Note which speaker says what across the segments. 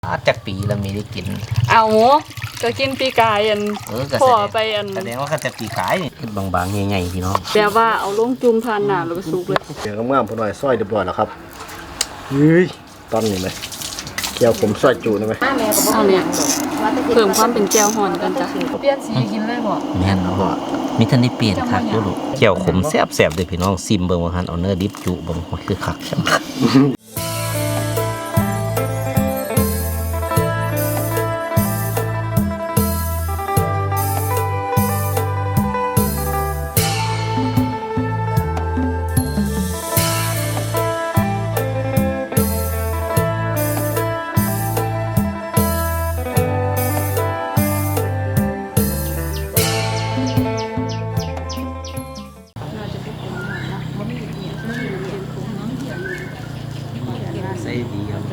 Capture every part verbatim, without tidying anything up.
Speaker 1: จากปีแล้วมีได้กิน
Speaker 2: เอาก็กินปีกายอันพอไปอัน
Speaker 1: แสดงว่าก็จะปีกายบางๆใหญ่ๆพี่น้อง
Speaker 2: แต่ว่าเอาลงจุ่มทานหนาแล้วก็สุกเลย
Speaker 3: เดี๋ยวงามๆพอหน่อยซอยเรียบร้อยแล้วครับเฮ้ยตอนนี้ไหมแก้วผมซอยจูนะไหม
Speaker 2: เอาเนี่ยเพิ่มความเป็นแก้วห่อนกันจ้ะเปลี่ยนสีกินเลยบ่
Speaker 1: แม่นบ่มีทันได้เปลี่ยนคักอยู่ลูกแก้วขมแซ่บๆเด้อพี่น้องซิมเบิ่งว่าหั่นเอาเนื้อดิบจุเบิ่งคือคักใช่มั้ยใส่ดีครับ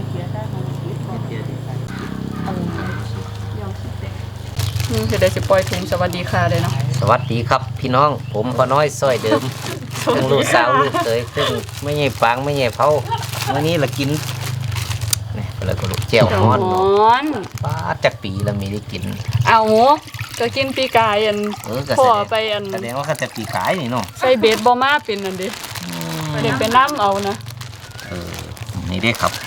Speaker 2: จะได้สิปล่อยถุงสวัสดีค่ะเลยเนาะ
Speaker 1: สวัสดีครับพี่น้องผมพ่อน้อยซอยเดิมทั้งลูกสาวลูกเคยซึ่งไม่ใหญ่ฟางไม่ใหญ่เผาวันนี้เรากินนี่ก็เลยก็ลูกแจ่วฮ้อนป้าจากปีแล้วมีได้กิน
Speaker 2: เอาก็กินปีกายอันพอไปอัน
Speaker 1: แสดงว่าก็จะปีกายนี่เนาะ
Speaker 2: ใส่เบสบอมาเป็นอันดิเด็กเป็นน้ำเอานะ
Speaker 1: เออนี่ได้ครับ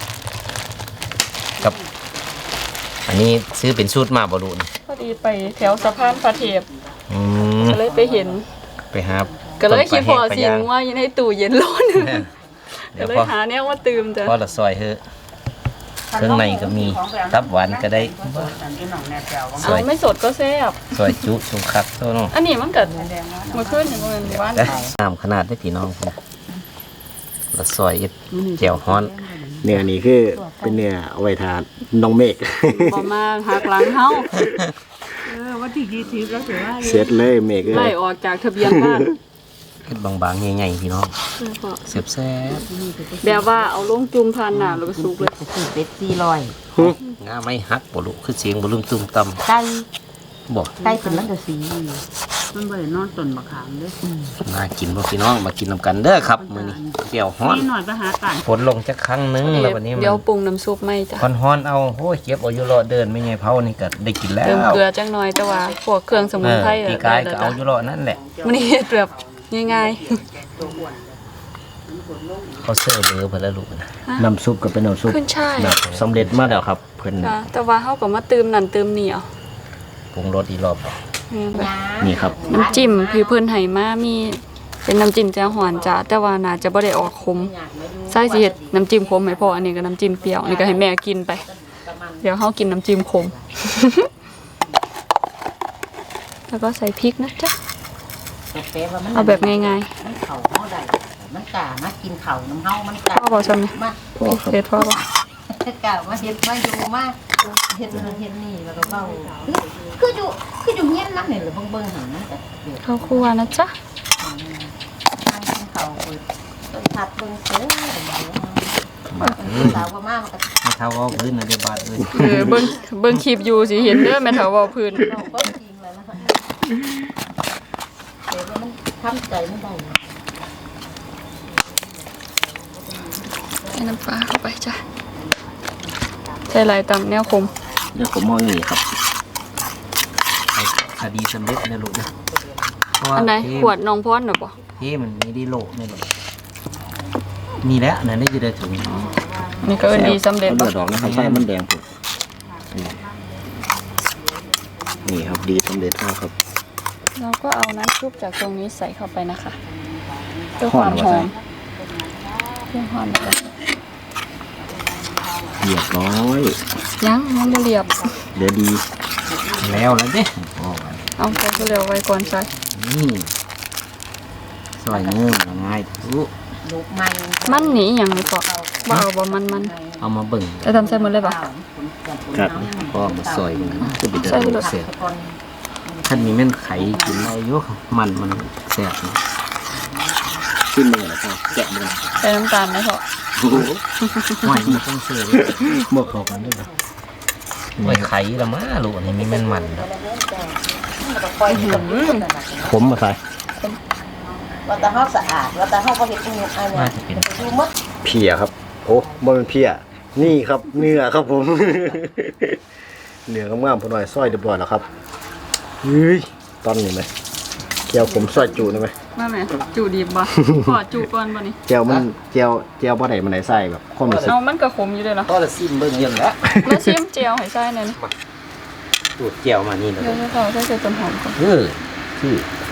Speaker 1: กับอันนี้ซื้อเป็นสูตรมาบอลูน
Speaker 2: พอดีไปแถวสะพานพระเทพก็เลยไปเห็น
Speaker 1: ไปหา
Speaker 2: ก็เลยคิดพอสิงว่าอยู่ในตู้เย็นร้อนก็เลยหาเนี่ยว่าตื่มจ้ะ
Speaker 1: พอละซอยเฮ้เครื่องในก็มีตับหวานก็ได้
Speaker 2: ซอยไม่สดก็แซ่บ
Speaker 1: ซอยจุสุขัดโซ่เนาะ
Speaker 2: อันนี้มันเกิดมาขึ้นอย่างเงี้ยว่าน
Speaker 1: น้ำขนาดได้พี่น้องละซอยแจ่วฮ้อน
Speaker 3: เนื้อนี่คือเป็นเนื้อเอาไว้ทานน้องเมฆ
Speaker 2: พอมาหักหลังเฮา
Speaker 4: เออวันที่ยี่สิบแล้วเสือ
Speaker 3: เสร็จเลยเมฆ
Speaker 2: ไล่ออกจากทะเบียนบ้าน
Speaker 1: ขึ้นบางๆใหญ่ๆพี่น้องเสียบแซ่บ
Speaker 2: แบบว่าเอาลงจุ่มทานหนาแล้วก็สุกเลย
Speaker 4: เป็ดสี่ร้อย
Speaker 1: งาไม่หักบ่ลูกคือเสียงบ่ลืมตุ้มตำ
Speaker 4: ไก่
Speaker 1: บ่
Speaker 4: ไก่เป็นลังกะสีมันบ่ได้นอนต้นมะขามเด้อ
Speaker 1: มากินบ่พี่น้องมากินนำกันเด้อครับมื้อนี้แจ่วฮ้อน
Speaker 4: นี่หน่อยไปหากัน
Speaker 1: ฝนลงจักครั้งนึงแล้ววันนี้
Speaker 2: เดี๋ยวปรุงน้ำซุปไหมจ้ะ
Speaker 1: ฮ้อนๆเอาโอ้ยเก็บเอาอยู่รอเดินไม่ใหญ่เผานี่ก็ได้กินแล้ว
Speaker 2: เติมเกลือจังหน่อยแต่ว่าพวกเครื่องสมุนไพร
Speaker 1: พี่กายก็เอาอยู่รอนั่นแหละ
Speaker 2: มื้อนี้เฮ็ดแบบง่าย
Speaker 1: ๆเขาเสิร์ฟเบอร์เพิ่นแล้วลูกนะ
Speaker 3: น้ำซุปก็เป็นน้ำซุปแบบสำเร็จมาแล้วครับเพิ่น
Speaker 2: แต่ว่าเฮาก็มาเติมนั่นเติมนี่เอา
Speaker 1: ปรุงรสอีกรอบ
Speaker 3: นี่ครับ
Speaker 2: น้ำจิ้มพี่เพิ่นให้มามีเป็นน้ำจิ้มแจ่วฮ้อนจ้ะแต่ว่าน่าจะบ่ได้ออกขมใส่สิเฮ็ดน้ำจิ้มขมให้พ่ออันนี้ก็น้ำจิ้มเปรี้ยวนี่ก็ให้แม่กินไปเดี๋ยวเฮากินน้ำจิ้มขมแล้วก็ใส่พริกนะจ๊ะเอาแบบง่าย
Speaker 4: ๆเข่าเฮาได้มันกล้ามากินเข่าน้ำเฮามันกล้า
Speaker 2: พ่อบอกซั่นมั้ยเฮ็ดพ่อบ่
Speaker 4: กล้ามาเฮ็ดมาอยู่มาเฮ็ดนั่นเฮ็ดนี่แล้วก็เว้าคืออยู่คืออยู่เฮียนนักนี่หรือเบิ่งๆหั่นมันก็
Speaker 2: ข้าวคั่วนะจ๊ะ
Speaker 4: นั่งกินข้าวเปิดต้นผัดเบิ่งเสือสาวว่ามามันก็
Speaker 1: แม่เฒ่าเว้าพื้นน่ะได้บาดเอ้ย
Speaker 2: เออเบิ่งเบิ่งคลิปอยู่สิเห็นเด้อแม่เฒ่าเว้าพื้น
Speaker 4: เบิ่งจริงเลยนะคะแต่ว่ามันทำใจไม่ได้
Speaker 2: ใส่น้ำปลาเข้าไปจ้ะใส่ลายตำแนวคม
Speaker 1: เดี๋ยวผมมองนี่ครับคดีสำเร็จนะลูกนะ
Speaker 2: อันไหนขวดน้องพรน่ะบ่
Speaker 1: ที่มันมีดีโลนี่ลูกมีแล้วนั่นได้จะได้ถึง
Speaker 2: นี่ก็ดีสำเร็จ
Speaker 3: บ่ดอกนะครับใส่มันแดงพุ่นนี่ครับดีสำเร็จแล้วครับ
Speaker 2: เราก็เอาน้ำซุปจากตรงนี้ใส่เข้าไปนะคะเพื่อความหอมเพื่อความหอม
Speaker 3: เรียบร้อย
Speaker 2: ยังยังไม่เรียบ
Speaker 3: เดี๋ยวดี
Speaker 1: แล้วแล้วเด้
Speaker 2: เอาไปเร็วไว้ก่อนใส่
Speaker 1: นี่ซอยเนื้อง่ายทุก
Speaker 2: มันหนีอย่างนี้ก็บ่เอาบ่มันมัน
Speaker 1: เอามาเบิ่ง
Speaker 2: จะทำใส่หมดเลยป่ะ
Speaker 3: ครับ
Speaker 1: ก็มาซอยมันจะเป็นตัวเสียท่านมีแม่นไข่กินอะไรเยอะมันมันแซ่บ
Speaker 3: ขึ้นเลยนะครับแกะเลย
Speaker 2: ใส่น้ำตาลไหมพ่อ
Speaker 1: หอยมันต้องเสือ
Speaker 3: หมกพอกันด้วยนะ
Speaker 1: หอยไข่ละมาลูกอันนี้มีแม่นมัน
Speaker 3: ผมมาใส่
Speaker 4: ว่าแต่เฮาสะอาดว่าแต่เฮาบ่เฮ็ดอีหยังอันนี้ดูหมด
Speaker 3: เพียครับโอ้บ่เป็นเพียนี่ครับเนื้อครับผม เนื้องามๆพอหน่อยซอยเรียบร้อยแล้วครับเฮ้ยตอนนี้ไหมแก้วผมซอยจูได้ไหม
Speaker 2: มาแม่จูดีบบ่ ขอจูก่อนบ่นี่
Speaker 3: แก้วมันแก้วแก้วบ่ได้มันไหนใส่แบบความรู้สึก
Speaker 2: เอามันก็ขมอยู่เลยเนาะ
Speaker 1: ก็จะซิมเบิ่งเย็นแล้ว
Speaker 2: มาชิมเจียวให้ใส่หน่อยนะ
Speaker 1: ตูดเจียวมานี่นะ
Speaker 2: เดี๋ยวจะขอใส่ใส่ต้นหอมก่อน
Speaker 1: เออคือ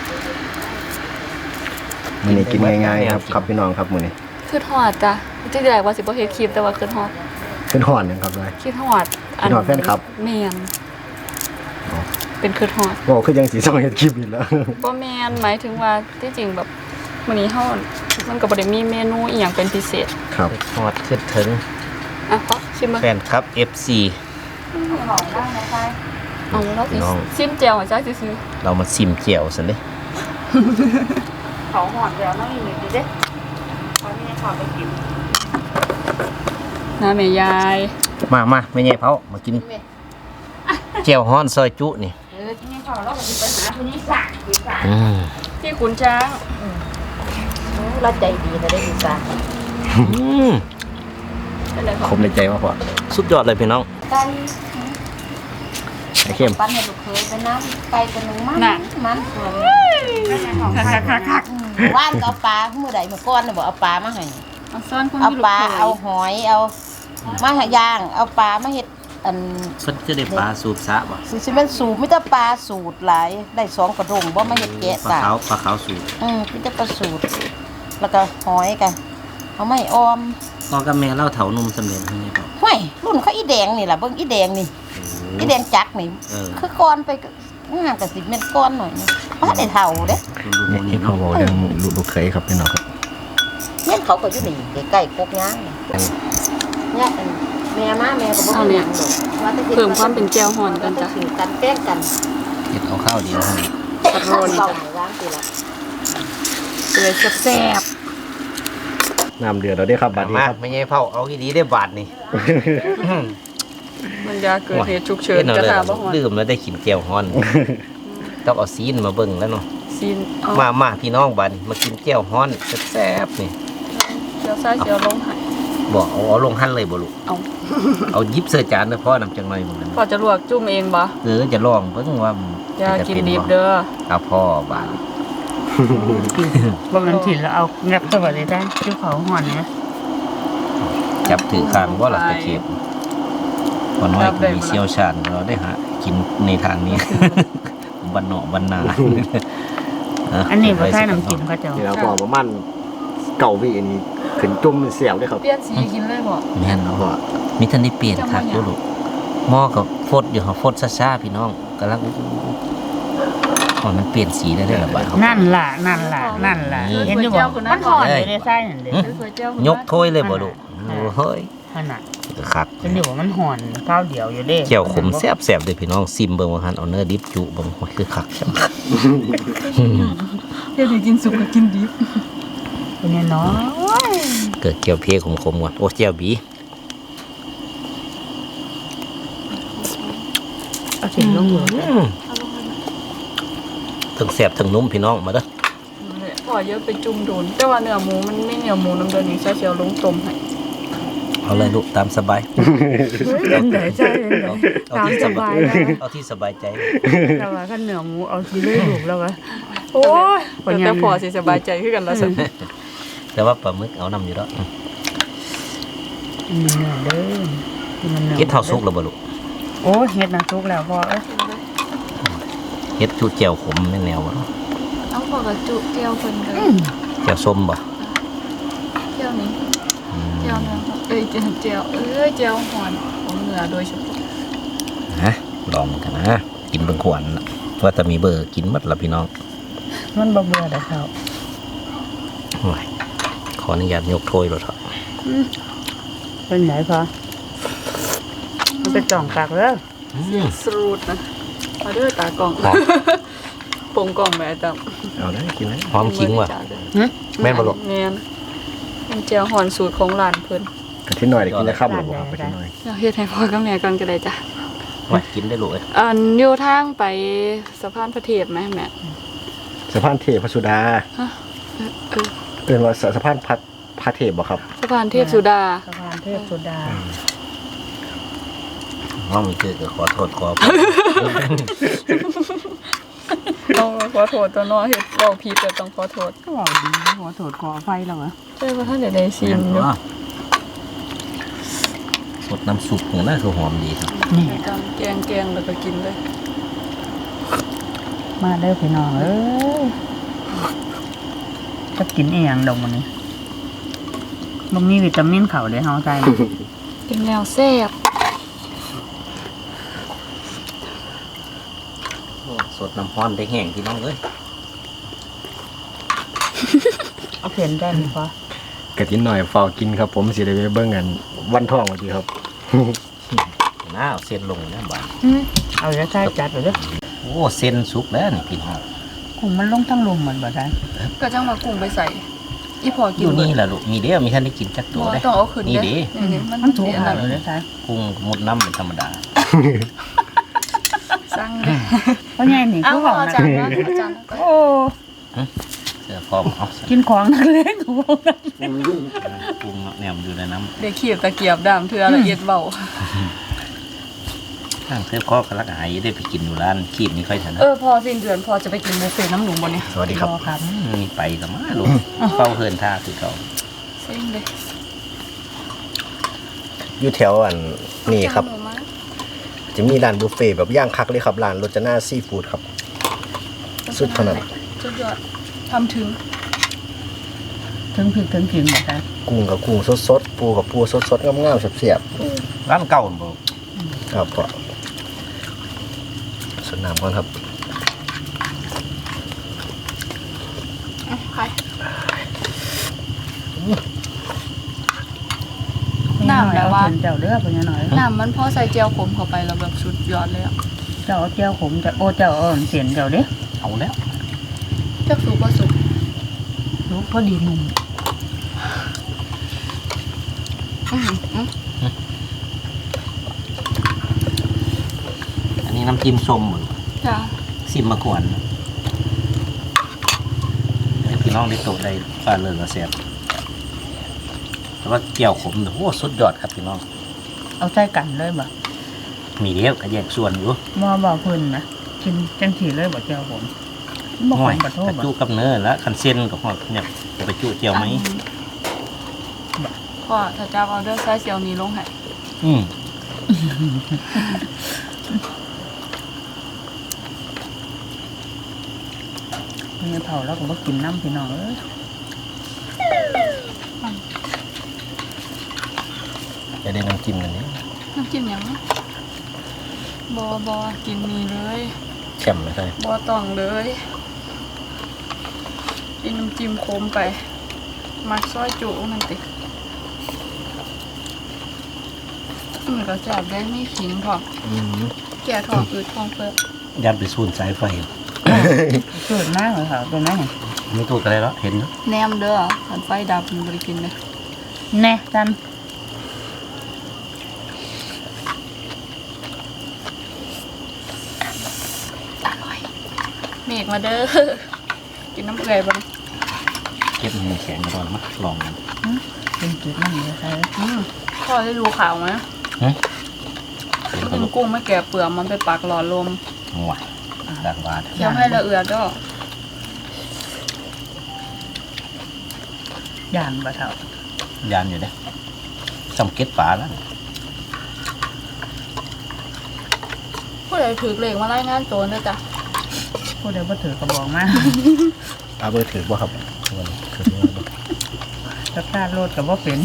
Speaker 3: มันนี่กินง่ายๆครับครับพี่น้องครับมื้อนี้
Speaker 2: คือทอดจ้ะจริงๆแล้วว่าสิบ่เฮ็ดคลิปแต่ว่าคือทอด
Speaker 3: ขึ้นห่อนยังครับเลย
Speaker 2: คือทอด
Speaker 3: คือทอดแฟนคลับ
Speaker 2: แม่นเป็นคือทอด
Speaker 3: บอกคือยังสีซองเฮ็ดคลิปอีกแล้ว
Speaker 2: บ่แม่นหมายถึงว่าที่จริงแบบมื้อนี้เฮามันก็บ่ได้มีเมนูอีหยังเป็นพิเศษ
Speaker 3: ครับ
Speaker 1: ทอดขึ้นถึง
Speaker 2: อ่ะขอชิมมา
Speaker 1: แฟนครับ เอฟ ซี
Speaker 2: เอาแล้วสิ
Speaker 1: น้อง
Speaker 2: ชิมเจียวให้จ้าซื่อ
Speaker 1: เรามาซิมเจียวสันเลย
Speaker 2: ๆเขาหอดแล้วน้องอีกดีเด้พอมีขอไปกินน้าแม่ยาย
Speaker 1: มามาไม่ใหญ่เผามากินเจียวฮ้อนซอยจุนี่
Speaker 4: เออที่นี่เขาเราก็สิไปหาคนนี้สั่งดีสั่ง
Speaker 1: อืม
Speaker 2: ที่ขุนช้าง
Speaker 4: เราใจดีนะได้ดีสั่ง
Speaker 1: อืม
Speaker 2: เป็นไรข
Speaker 3: ค
Speaker 2: อง
Speaker 3: มในใจมากกว่า
Speaker 1: สุดยอดเลยพี่น้อง
Speaker 4: ไก่
Speaker 3: ไอ้เข้ม
Speaker 4: ปั้นให้ลูกเคยไปน้ำไก่ตัวหนึงมันมันส่วน
Speaker 2: คัก
Speaker 4: ว่านก็เอาปลาเมื่อใดเมื่อก่อนน่ะบอกเอาปลามาให้
Speaker 2: ๆเอาซ่อนคน
Speaker 4: เอา
Speaker 2: ที่ลู
Speaker 4: ป
Speaker 2: ก
Speaker 4: ลา
Speaker 2: เขย
Speaker 4: เอาหอยเอามาหาย่าง เอาปลามาเฮ็ดอัน
Speaker 1: เพิ่นจะได้ปลาสูบซะบ่
Speaker 4: สิสิเป็นสูตรมิตรปลาสูตรหลายได้สองกระดงบ่มาเฮ็ดแกะ
Speaker 1: ปลา
Speaker 4: ตา
Speaker 1: ขาวปลาขาวสูบ
Speaker 4: อืมมิตรปลาสูตร แล้วก็หอยกันเอาไม่ออม
Speaker 1: พ่อกับแม่เล่าเถานุ่มสำเร็จให้ไหมพ่อ
Speaker 4: ห้วยรุ่นเขาอีแดงนี่ล่ะเบิ่งอีแดงนี่อีแดงจักนี่
Speaker 1: เออ
Speaker 4: คือก้อนไปก็งามกับสิบเม็ดก้อนหน่อยนึงบ่ทันได้เท่าเด้
Speaker 1: ดูดู
Speaker 3: นี่
Speaker 1: นี่
Speaker 3: เขา
Speaker 1: เนาะ
Speaker 3: บอกเรื่องลูกลูกเคยครับพี่น้องครับ
Speaker 4: เนี่ยเขาก็อยู่นี่ใกล้ๆกกย่างนี่เนี่ยอันแม่มาแม่ก็บ่มีหยังดอกว่าแต่ฮ็ด
Speaker 2: เพิ่มความเป็นแก้วหอนกันจ้ะ
Speaker 4: ซื้อกันแป้งกัน
Speaker 1: เฮ็ดเอาข้าวเดียวให้
Speaker 4: ตะโรนจ้ะร้านสิละ
Speaker 2: เปื่อยแซ่บ
Speaker 3: น้ำเดือดเราได้ครับบัดนี้
Speaker 1: มา
Speaker 3: ครับ
Speaker 1: ไม่ใช่เผาเอาอีดีได้บาทนี่
Speaker 2: ๆมันยาเกิดเหตุฉุกเฉิน
Speaker 1: ฮ็ดเอา
Speaker 2: จะ
Speaker 1: เลย
Speaker 2: ถามบ่ฮอด
Speaker 1: ลืมแล้วได้กินเจียวฮ้อนต้องเอาซีนมาเบิ่งแล้วเนาะ
Speaker 2: ซีนเอา
Speaker 1: มามาพี่น้องบัดนมากินเจียวฮ้อนแซ่บๆนี่
Speaker 2: เดี๋ยวซ้ายเดี๋ยวลงให้
Speaker 1: บอกเอาเอาลงหั่นเลยบ่ลูก
Speaker 2: เอา
Speaker 1: เอายิบเสื้อจานเด้อพ่อนำจังหน่อยบ่นั้น
Speaker 2: พอจะลวกจุ่มเองบ่
Speaker 1: เออจะลองเบิ่งว่า
Speaker 2: อย่า
Speaker 1: จะ
Speaker 2: กิน
Speaker 1: เป็
Speaker 2: ดิบ
Speaker 1: บ่
Speaker 2: เด้อ
Speaker 1: เอาพ่อบาด
Speaker 5: บ่มันถิ่นแล้วเอางับเข้าไปเลยได้ที่เขาห่อนเนี่ย
Speaker 1: จับถือข้างบ่ล่ะตะเข็บบ่น้อยก็มีเชี่ยวชาญเราได้หากินในทางนี้ บันเนาะบันนา
Speaker 5: อันนี้บ่ใช่น้ำจิ้มเขาเจ้า
Speaker 3: นี่เราบอกประมาณเก่าวิอันนี้ขึ้นจุ่มเสียวเลยครับ
Speaker 2: เปลี่ยนสีกินเลยบ่
Speaker 1: แม่นเนาะมีทันได้เปลี่ยนคักอยู่ลูกหม้อกับฟดอยู่ค่ะฟดซ่าๆพี่น้องกำลังอ๋อมันเปลี่ยนสีได้ด้วยเหรอบ่าว
Speaker 5: นั่นล่ะนั่นล่ะนั่นล่ะเห็นอยู่บ่มันห่อนอยู่ในไส้นั่นเด้
Speaker 2: เปื่อยเจียว
Speaker 1: ยกถ้วยเลยบ่ลูกโอ้เฮ้ย
Speaker 5: ขนาด
Speaker 1: คัก
Speaker 5: เห็นอยู่ว่ามันห่อนข้าวเดียวอยู่เด้
Speaker 1: เจียวขมแซ่บๆเด้อพี่น้องซิมเบิ่งว่าหั่นเอาเนื้อดิบจุเบิ่งว่าคือคักจัง
Speaker 2: เฮ็ดให้กินสุกก็กินดิบ
Speaker 5: เป็นไงเนาะ
Speaker 1: เกิดเจียวเพขมๆก่อนโอ้เจียวบี
Speaker 5: เอาเสียงลงอยู่
Speaker 1: ทั้งแซ่บทั้งนุ่มพี่น้องมาเด้อ
Speaker 2: พอเยอะไปจุ่มโดน แต่ว่าเนื้อหมูมันไม่เนื้อหมูน้ำเดือดนี่ใส่เสียวลงต้มให้
Speaker 1: เอาเลยลูกตามสบาย
Speaker 5: เป็นไดใช่เป็นได
Speaker 1: เอา
Speaker 5: ตาม
Speaker 1: ที่
Speaker 5: ส
Speaker 1: ส
Speaker 5: บา
Speaker 1: บาย ย
Speaker 5: แล้ว
Speaker 1: เอาที่สบายใจ
Speaker 5: แต่ว่าข้าวเหนียวหมูเอาทีเลยลูกแล้วก็
Speaker 2: โอ้ย
Speaker 5: ปัญญา
Speaker 2: แต่พอสิสบายใจขึ้นกันแล้วสิ
Speaker 1: แต่ว่าปลาหมึกเอานำอยู่แล้ว
Speaker 5: อืมเนื้อเด้อมันเนื้อ
Speaker 1: เฮ็ดเท่าสุกแล้วบ่ลูก
Speaker 5: โอ้เฮ็ดน่ะสุกแล้วพ่อเอ้ย
Speaker 1: เฮ็ดจุเจียวขมแม่นแนวบ่
Speaker 2: เอาพอกับจุเจียวเพิ่นกัน
Speaker 1: เจียวส้มบ่
Speaker 2: เจียวนี้เจียวเนื้อเอ้ยเจียวเจียวเอ้ยเจียวหอนของเนื้อโดยเฉพาะ
Speaker 1: ฮะลองกันนะกินเบิ่งขวัญน่ะว่าจะมีเบอร์กินหมดล่ะพี่น้อง
Speaker 5: มันบ่เบื่อดอกเขา
Speaker 1: โอ้ยขออนุญาตยกถ้วยรถเถอะ
Speaker 5: เป็นไหนพอมันเป็นจ่องกักเด้อ
Speaker 2: สรูดนะมาเด้อตากล่อง
Speaker 1: หอม
Speaker 2: ปงกล่องแม่จ้ะ
Speaker 3: เอาได้กินเลย
Speaker 1: หอมขิงว่ะ
Speaker 5: หึ
Speaker 1: แม่นบ่ลูก
Speaker 2: แม่นเป็นเจียวหอนสูตรของร้านเพิ่น
Speaker 3: กะทิหน่อยได้กินได้ค่ำหรือเปล่าครับกะทิหน่อย
Speaker 2: อยากเฮ็ดให้พ่อกับแม่กันก็ได้จ้ะ
Speaker 1: ว่ากินได้ลูกเอ้ย
Speaker 2: อันอยู่ทางไปสะพานพระเทพไหมแม่
Speaker 3: สะพานเทพสุดา
Speaker 2: ฮะเออเออ
Speaker 3: เป็นว่าสะพานพัดพระเทพบ่ครับ
Speaker 2: สะพานเทพสุดา
Speaker 5: สะพานเทพสุดา
Speaker 1: ว่ามีเจอก็ขอโทษขอ
Speaker 2: ต้องขอโทษตัวเน้อเฮ็ดเว้าผิดก็ต้องขอโทษ
Speaker 5: ก็บอกดีหัวโถดก่อไฟแล้วเหรอ
Speaker 2: ใช่ว่าท่านได้ได้ชิมอยู่
Speaker 1: สดน้ำซุปของน่าคือหอมดีครับ
Speaker 5: นี่
Speaker 2: การแกงแกงแล้วก็กินเลย
Speaker 5: มาเด้อพี่น้องเอ้ยจะกินอีหยังดอกมันนี้มันมีวิตามินเขาเลยเฮาใจนะ
Speaker 2: เป็นแนวแซ่บ
Speaker 1: สดน้ำร้อนได้แห้งพี่น้องเอ้ย
Speaker 5: เอาเปลี่ยนได้ไหมพ่อก
Speaker 3: ะทิหน่อยฟอกินครับผมสิได้ไปเบิ่งกันวันท่องวันทีครับ
Speaker 1: น้าเอาเส้นลงนะบ้าน
Speaker 5: อืมเอาจะใส่จัดไปเด้อ
Speaker 1: โอ้เส้นสุกแล้วนี่พี่น้อง
Speaker 5: กุ้งมันลงทั้งลมเหมือนบ่ได้
Speaker 2: ก็จังว่ากุ้งไปใส่ อีพอ
Speaker 1: อ
Speaker 2: กิน
Speaker 1: ยู่นี่แหละลูกมีเดียวมีท่านได้กินจักตัว
Speaker 2: บ่
Speaker 1: ได้
Speaker 2: ต้องเอาขึ้น
Speaker 1: นี่
Speaker 2: เด้
Speaker 1: เด้
Speaker 2: นี่ๆมัน
Speaker 5: มันถูก
Speaker 2: สิอัน
Speaker 5: หา
Speaker 2: นั้น
Speaker 5: เลยใช่
Speaker 1: กุ้งมุดน้ำเป็นธรรมดา
Speaker 2: สั่งเด้
Speaker 5: เพราะไงนี่
Speaker 2: เอา
Speaker 5: คือ
Speaker 2: ข
Speaker 5: บ
Speaker 2: อ
Speaker 5: อก
Speaker 2: อา
Speaker 5: นะ
Speaker 2: จารย์ว่าอาจารย์
Speaker 5: โอ้
Speaker 1: เสื้อพร้อมเอาใส่
Speaker 5: กินของนักเลงของเรานะ
Speaker 1: กุ้งเนาะแนมอยู่ในน้
Speaker 2: เดี๋ยวขีบตะเกียบดามเทือละเอียดเบา
Speaker 1: ำข้างเสื้อคอกระลักหายได้ไปกินอยู่ร้านคีบนี่ค่อยถนัด
Speaker 2: เออพอสิ้นเดือนพอจะไปกินบุฟเฟ่ต์น้ำหนุ่มบนเนี่ย
Speaker 3: สวัสดีครับ
Speaker 5: รอครับ
Speaker 1: มีไปสมาลูกเฝ้าเฮินท่าคือเขา
Speaker 2: เซ็งเลย
Speaker 3: อยู่แถวอันนี่ครับ
Speaker 2: หมูมา
Speaker 3: จะมีร้านบุฟเฟ่ต์แบบย่างคักเลยครับร้านรจนาซีฟู้ดครับ สุดขนาด
Speaker 2: สุดยอดทำถึง
Speaker 5: ถึงพริกถึงขิงบ่ได้
Speaker 3: กุ้งกับกุ้งสดๆปูกับปูสดๆงามๆเสียบ
Speaker 1: ร้านเก่าบ่
Speaker 3: ๆครับก็สดน้ำก่อนครับ
Speaker 2: ใคร น้ำแบบว่า
Speaker 5: เอเจ้าเด้อเพิ่นหน่อย
Speaker 2: น้ำมันพอใส่เจียวขมเข้าไปแล้วแบบสุดยอดเลยอ่ะ
Speaker 5: เจ้าเอาเจ้าขมจะโอ้เจ้าเอาอันเสียนเจ้าเด้อ
Speaker 1: เอาแล้ว
Speaker 2: จักสุกก็สุก
Speaker 5: ลูกพอดีหนุ่ม
Speaker 2: อื้อหืออื้อ
Speaker 1: อันนี้น้ำจิ้มส้มบ่
Speaker 2: จ้า
Speaker 1: ซิมมาก่อนให้พี่น้องได้โตได้ปลาเลิศกระเสียบแต่ว่าเกี่ยวขมโอ้สุดยอดครับพี่น้อง
Speaker 5: เอาใส่กันเลยบ่
Speaker 1: มีเดียวก็แยกส่วนอยู่
Speaker 5: บ่บอกเพิ่นนะกินจังสีเลยบ่เจ้าผมบ่
Speaker 1: ห่
Speaker 5: ข
Speaker 1: วย
Speaker 5: มบ่โท
Speaker 1: ก
Speaker 5: ษ
Speaker 1: ระ
Speaker 5: บ่
Speaker 1: จุกับเนื้อแล้วคันเส้นกับหอดเนี่ยจะไปจุเจียวไหม
Speaker 2: พ่อถ้าจ้าเอาเด้อใส่เจียวนี้ลงให้
Speaker 1: อืม
Speaker 5: มีเผาแล้วก็บ่กินน้ำพี่น้องเอ้ย
Speaker 3: จะได้น้ำจิ้มอันนี้
Speaker 2: น้ำจิ้มหยังบอบอกินนี่เลย
Speaker 3: แช่มไม่ใช่
Speaker 2: บอต้องเลยกินน้ำจิ้มโคมไป มักซอยจุนั่นติมันก็จับได้ไม่ขิงพอ
Speaker 3: อืม
Speaker 2: แก่ทองอืดทองเฟิร์
Speaker 1: ยัดไปสูนสายไฟ
Speaker 5: สุดมากเลยค่ะตัวนั้น
Speaker 1: ไม่ถูกอะไรแล้วเห็นเนอะ
Speaker 2: แนมเด้อขันไฟดับมันบริกินเลย
Speaker 5: แน่จัน
Speaker 2: อร่อยเมฆมาเด้อ กินน้ำเกลือบ้าง
Speaker 1: เก็บมันแข็งกระดอนมาลองมัน
Speaker 5: เป็นจุดนั่นเลยค่ะ
Speaker 2: อืมพ่อได้ดูข่าวไหม
Speaker 1: หึเดี๋ยว
Speaker 2: กิ
Speaker 1: ก็
Speaker 2: น
Speaker 1: ลุก
Speaker 2: กุ้งไม่แก่เปลือกมันไปปักหลอดลม
Speaker 1: หวานดังวาด
Speaker 2: เคี้ยวให้ละเอียดก็
Speaker 5: ย่านบ่เท่าย
Speaker 1: านอยู่เด้สังเกตป่าแล้ว
Speaker 2: ผู้ใดถือเหล็กมาไล่งานโจรด้วยจ้ะ
Speaker 5: ผู้ใดบ่ถือกระบอกมา
Speaker 3: เอาเบอร์ถือบ่ครับวันนี้คือว่าบ่
Speaker 5: จักรารถก็บ่เป็น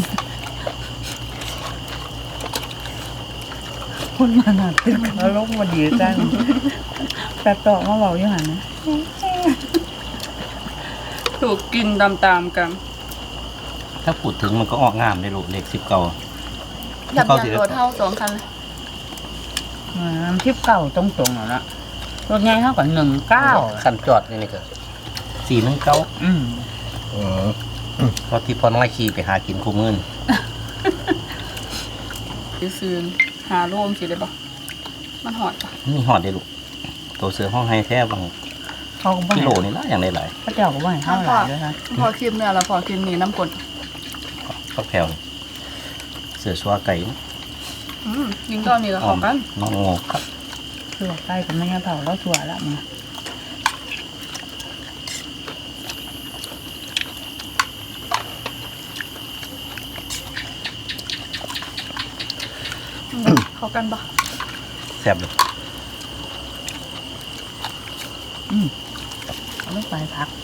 Speaker 5: คนมาหนักตึกอารมณ์บ่ดีจังแต่ต่อมาเว้าอยู่หั่นนะ
Speaker 2: ถูกกินตามๆกัน
Speaker 1: ถ้าพูดถึงมันก็ออกงามได้ลูกเลขสิบเก้า
Speaker 2: ยับยันรถเท่าสองคันเลย
Speaker 5: อ่าน้ำทิพย์เก่าตรงๆแล้วนะรถใหญ่เท่ากับหนึ่งเก้า
Speaker 1: คันจอดนี่นี่ก็สี่หนึ่งเก้า
Speaker 5: อืม
Speaker 3: อืม
Speaker 1: เพราะที่พอน้อยขี่ไปหากินคู่มือน
Speaker 2: ซื้อหาร่วมสิได้ปะมันหอดปะ
Speaker 1: มีหอดได้ลูกตัวเสือห้องไฮแท้บาง
Speaker 5: เขาก็บ่
Speaker 1: กิ
Speaker 5: ให้
Speaker 1: โลนี่ละอย่างหลาย
Speaker 5: พระเจ้าก็บ่ให้เท่าไหร่ด้วยค่ะ
Speaker 2: พอคลิปเนี่ยแล้วพอคลิปนี้น้ำกลด
Speaker 1: ๆก็แผ่วนี่เสือชัวไก่นี่
Speaker 2: มอืมยิงตอนนี้ก็เข้ากัน
Speaker 1: น้องโงกครับ
Speaker 5: สัวไก่กับแม่เผาแล้วสัวละมึง
Speaker 2: เข้ากันปะ
Speaker 1: แซ่บเลย
Speaker 5: เอาลูกไปพัก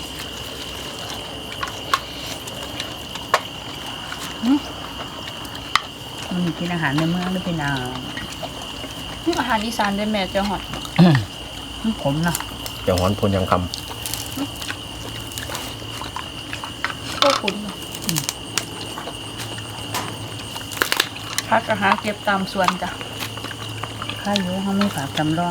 Speaker 5: มันกินอาหารในเมืองหรือเป็นอา
Speaker 2: อาหารอีสานได้แม่เจ้าหอด
Speaker 5: ขมเนาะ
Speaker 3: เจ้าหอนพลยังค
Speaker 2: ก็คุ้นเนาะพักอาหารเก็บตามสวนจ้ะ
Speaker 5: ข้าวเยอะเขาไม่ฝากจำลอง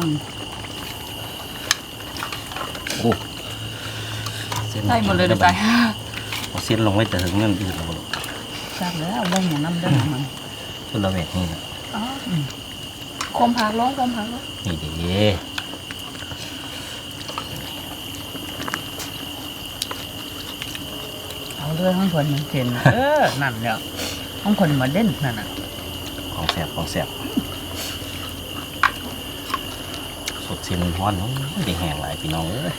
Speaker 1: โอ้เส้น
Speaker 2: ได้หมดเลยเดี๋ยวไป
Speaker 1: เอาเส้นลงไว้แต่ถึงเรื่องอื่นแล้วบ่ลูก
Speaker 5: ทราบแล้วเรื่องอย่างน้ำเรื่องมัน
Speaker 1: ชุดละเวทนี่นะ
Speaker 2: อ๋อคมผักร้องคมผักร้อง
Speaker 1: นี่เด้
Speaker 5: เอาเรื่องของคนมันเซ็นเออนั่นเนี่ยของคนมาเด่นนั่นน่ะ
Speaker 1: ของแซ่บของแซ่บสดเส้นฮ้อนเนาะได้แห้งหลายพี่น้องเอ้ย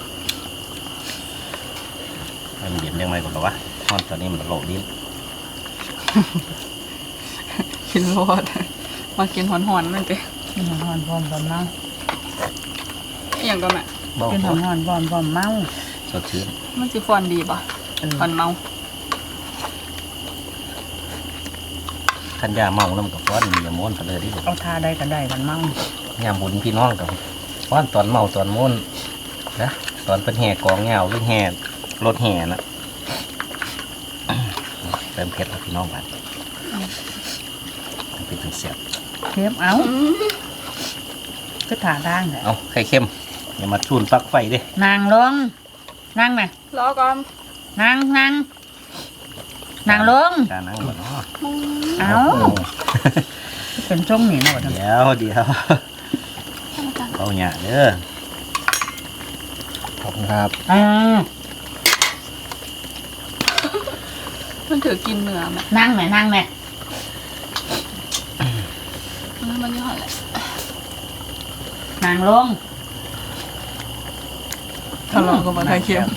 Speaker 1: ให้มันเย็นยังไงก่อนหรอวะฮ้อนตอนนี้มันโลดลิ้น
Speaker 2: กินรอดมากินหอนๆนั่นเอง
Speaker 5: กินหอนพร้อมบอมเมา
Speaker 2: อย่างก็แม่
Speaker 1: บ้า
Speaker 5: กินหอนพร้อมบอมบอมเมา
Speaker 1: สดชื่น
Speaker 2: มันสิฟอนดีป่ะ
Speaker 5: เออ
Speaker 2: ฟอนเมา
Speaker 1: ขันยาเมาน้ำกับฟ้อนมีอย่าม้วนกันเลยที่ผม
Speaker 5: เอาทาได้ก็ได้กันเมาย
Speaker 1: ามบุญพี่น้องกับฟ้อนตอนเมาตอนม้วนนะตอนเป็นแห่กองเงาหรือแห่รถแห่นะเติมเผ็ดแล้วพี่น้องกันเป็นถึงเสียบ
Speaker 5: เทียบเอาก็ทาได้แหละ
Speaker 1: เอาไข่เค็มอย่ามาชูนปลักไฟเด้
Speaker 5: นางลงนั่งไหม
Speaker 2: รอก่อน
Speaker 5: นางนางนางลง
Speaker 1: จานังบ่เนาะ
Speaker 5: เอาเป็นช่องนี่เนาะ
Speaker 1: เดี๋ยวเดี๋ยวเอาเนี่ยเด้อ
Speaker 3: ำขอบคุณครับ
Speaker 5: อ่า
Speaker 2: มันถือกินเนื้อแม่
Speaker 5: นั่งไหมนั่งไหม
Speaker 2: มันยี่ห้ออะไร
Speaker 5: นางลง
Speaker 2: ถ้าลองก็มาไทยเค็ม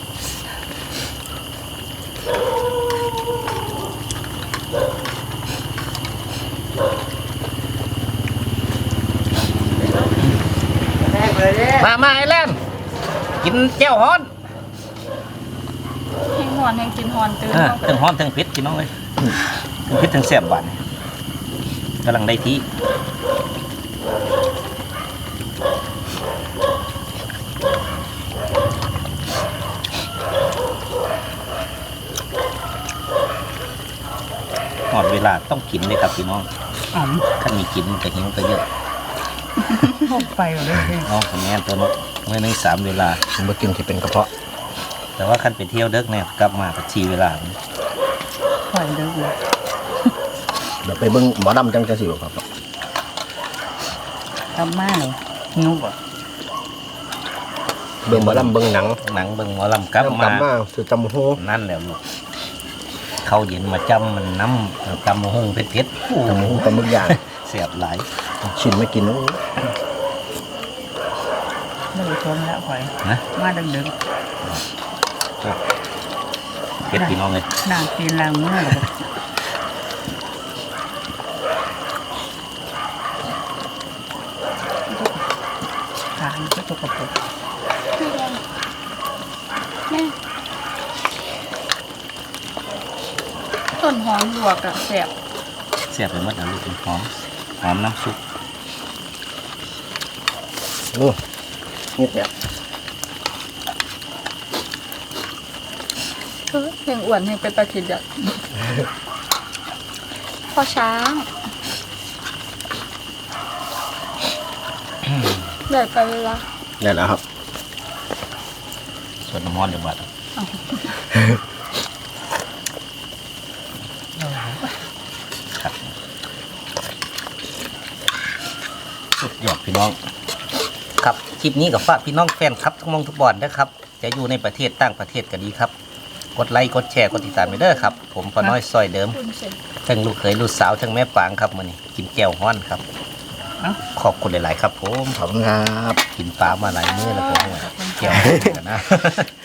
Speaker 1: มามาไอ้แลนกินแก้วฮ้อน
Speaker 2: แห้งหอนแห้งกินหอนตื่น
Speaker 1: เออถึงฮ้อนถึงเผ็ดพี่น้องเลยถึงเผ็ดถึงแซ่บหวานกำลังได้ที่หอดเวลาต้องกินเลยครับพี่น้อง
Speaker 5: อ๋อม
Speaker 1: ขั้นมีกินมันก็หิวก็เยอะ
Speaker 5: พกไปเลยสิ
Speaker 1: น้องของแม่ตัวนกเมื่อนึงสามเวลา
Speaker 3: ผมมากินที่เป็นกระเพาะ
Speaker 1: แต่ว่าขั้นไปเที่ยวเด็กเนี่ยกลับมาก็ชีเวลา
Speaker 5: ปล่อยเลยเลย
Speaker 3: เดี๋ยวไปเบิ้งหมอดำจังจะสิวครับ
Speaker 5: ทำมาเลยหิวบ่
Speaker 3: เบิ้งหมอดำเบิ้งหนัง
Speaker 1: หนังเบิ่งหมอลำกลับ
Speaker 3: กลั
Speaker 1: มา
Speaker 3: บมาสุดจำโฮ
Speaker 1: นั่นแหละลูกเขาเย็นมาจำมันน้ำจำมะฮงเผ็ดๆโอ้
Speaker 3: จำโฮปลาหมึกย่าง
Speaker 1: เสียบหลาย
Speaker 3: ชินไม่กินโอ้
Speaker 5: ไม่ได้ชมแล้วปล่อย
Speaker 1: นะ
Speaker 5: มาดึกดึก
Speaker 1: เผ็ดพี่น้องเลย
Speaker 5: นางตีนนางมือหรอขามันก็ตกกระปุก
Speaker 2: แม่ต้นหอมลวกอะแสบ
Speaker 1: เสียบไปหมดแล้วลูกเป็นหอมหอมน้ำซุป
Speaker 3: โอ้นี่เนี่ย
Speaker 2: เออแห้งอ้วนแห้งเป็นตะขิดอ่ะพ่อช้างใหญ่ไปเวลา
Speaker 3: นี่แหละครับ
Speaker 1: ส่วนน้ำมันเดี๋ยวบัดครับสุดยอดพี่น้อง ครับคลิปนี้กับฝากพี่น้องแฟนครับทุกมองทุกบอลนะครับ จะอยู่ในประเทศต่างประเทศก็ดีครับกดไลค์กดแชร์กดติดตามไปเด้อครับ ผมพอน้อยซอยเดิมทั้งลูกเขยลูกสาวทั้งแม่ปางครับมื้อนี้กินแก้วฮ้อนครับขอบคุณหลายๆครับผม
Speaker 3: ขอบคุณครับ
Speaker 1: กินปลามาหลายมื้อแล้วผมแก้วฮ้อนกันนะ